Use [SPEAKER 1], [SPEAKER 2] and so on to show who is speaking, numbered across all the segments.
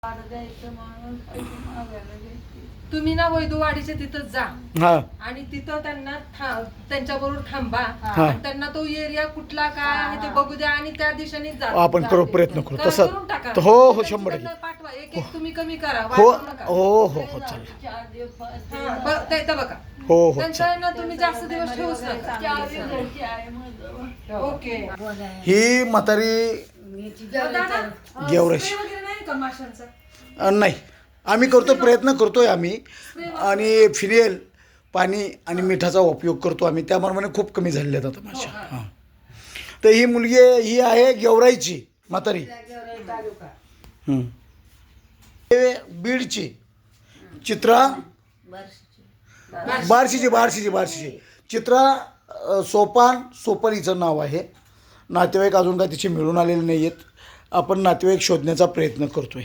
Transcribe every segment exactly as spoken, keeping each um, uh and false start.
[SPEAKER 1] तुम्ही ना वैदुवाडीच्या तिथं जा
[SPEAKER 2] हा
[SPEAKER 1] आणि तिथं त्यांना त्यांच्या बरोबर थांबा
[SPEAKER 2] हा.
[SPEAKER 1] आणि त्यांना तो एरिया कुठला काय आहे ते बघू द्या आणि त्या दिशेने जा.
[SPEAKER 2] आपण करू प्रयत्न करू
[SPEAKER 1] करा,
[SPEAKER 2] तसं
[SPEAKER 1] करून टाका.
[SPEAKER 2] हो हो
[SPEAKER 1] त्यांची
[SPEAKER 2] शंभर
[SPEAKER 1] त्यांना
[SPEAKER 2] टक्के
[SPEAKER 1] पाठवा एक एक तुम्ही कमी करा
[SPEAKER 2] हो
[SPEAKER 1] वाढवू नका.
[SPEAKER 2] हो हो हो चालेल
[SPEAKER 1] हा, ब- ते इथं बघा
[SPEAKER 2] हो हो
[SPEAKER 1] त्यांचं ना तुम्ही जास्त दिवस ठेवूच नका. ओके
[SPEAKER 2] ही म्हातारी
[SPEAKER 1] दादा,
[SPEAKER 2] गेवराशी.
[SPEAKER 1] स्प्रे वगैरे नाही का माशांचा?
[SPEAKER 2] अ, नाही आम्ही करतो प्रयत्न करतोय आम्ही आणि फिनेल पाणी आणि मिठाचा उपयोग करतो आम्ही त्याप्रमाणे खूप कमी झालेले आहेत आता माशा हां तर ही मुलगी ही आहे गेवराईची म्हातारी हं. हे बीडची चित्रा बार्शीची बार्शीची बार्शीची चित्रा अ, सोपान सोपन हिचं नाव आहे. नातेवाईक अजून काय तिचे मिळून आलेले नाही आहेत. आपण नातेवाईक शोधण्याचा प्रयत्न करतोय.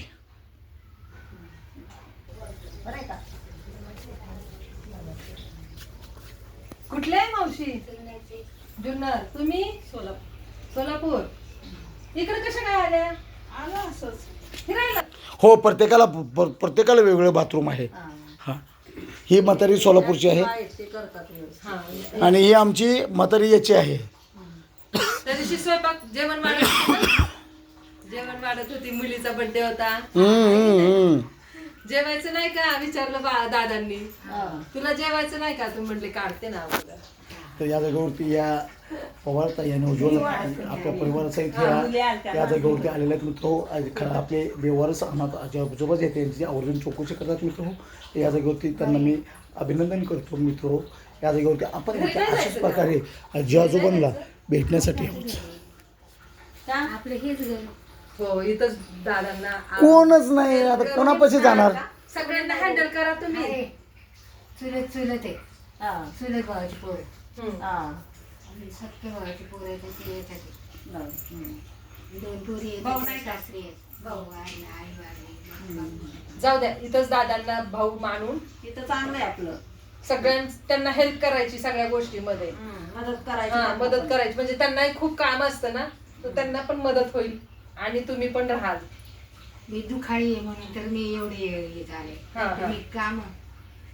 [SPEAKER 1] कुठले आहे मावशी? जुन्नर. तुम्ही सोलापूर. सोलापूर इकडे कशा काय आल्या? आलो असंच फिरायला.
[SPEAKER 2] हो प्रत्येकाला प- प्रत्येकाला वेगवेगळं बाथरूम आहे. हां ही म्हातारी सोलापूरची आहे आणि ही आमची म्हातारी याची आहे.
[SPEAKER 1] त्या दिवशी स्वयंपाक जेवण वाढत होती ना? जेवण वाढत होती मुलीचा बर्थडे होता.
[SPEAKER 2] हम्म, हम्म, हम्म.
[SPEAKER 1] जेवायचं नाही का विचारलं बा दादांनी. तुला जेवायचं नाही का? तू म्हटले काढते ना अगोदर.
[SPEAKER 2] तर या जागेवरती या पवारताई आणि उज्ज्वल आपल्या परिवाराचा इथे या या जागेवरती आलेले आहेत मित्र. खरं आपले बेवारस अनाथ आजोबाच येते त्यांची आवर्जून चौकशी करतात मित्र. या जागेवरती त्यांना मी अभिनंदन करतो मित्र. या जागेवरती आपण इथे अशाच प्रकारे आजी आजोबांना भेटण्यासाठी आहोत.
[SPEAKER 1] आपलं हेच घर. हो इथंच दादांना
[SPEAKER 2] कोणच नाही आता कोणापाशी जाणार.
[SPEAKER 1] सगळ्यांना हँडल करा तुम्ही.
[SPEAKER 3] चुलत चुलत आहे चुलत भावाची पोर
[SPEAKER 1] हम्म.
[SPEAKER 3] सख्य भावाची पोर आहे ती येतात दोन पोरी
[SPEAKER 1] भाऊ
[SPEAKER 3] आहेत
[SPEAKER 1] नाही का?
[SPEAKER 3] सासरी आहेत भाऊ आहे आई वारली.
[SPEAKER 1] जाऊ द्या इथंच दादांना भाऊ मानून
[SPEAKER 4] तिथं चांगलं आहे आपलं
[SPEAKER 1] सगळ्यां त्यांना हेल्प करायची सगळ्या गोष्टीमध्ये.
[SPEAKER 4] मदत करायची
[SPEAKER 1] हा
[SPEAKER 4] त्यांना
[SPEAKER 1] मदत
[SPEAKER 4] पण.
[SPEAKER 1] करायची म्हणजे त्यांनाही खूप काम असतं ना तर त्यांना पण मदत होईल आणि तुम्ही पण राहाल.
[SPEAKER 3] मी दुखाळी आहे म्हणून तर मी एवढे हे झाले
[SPEAKER 1] हा, हा.
[SPEAKER 3] मी काम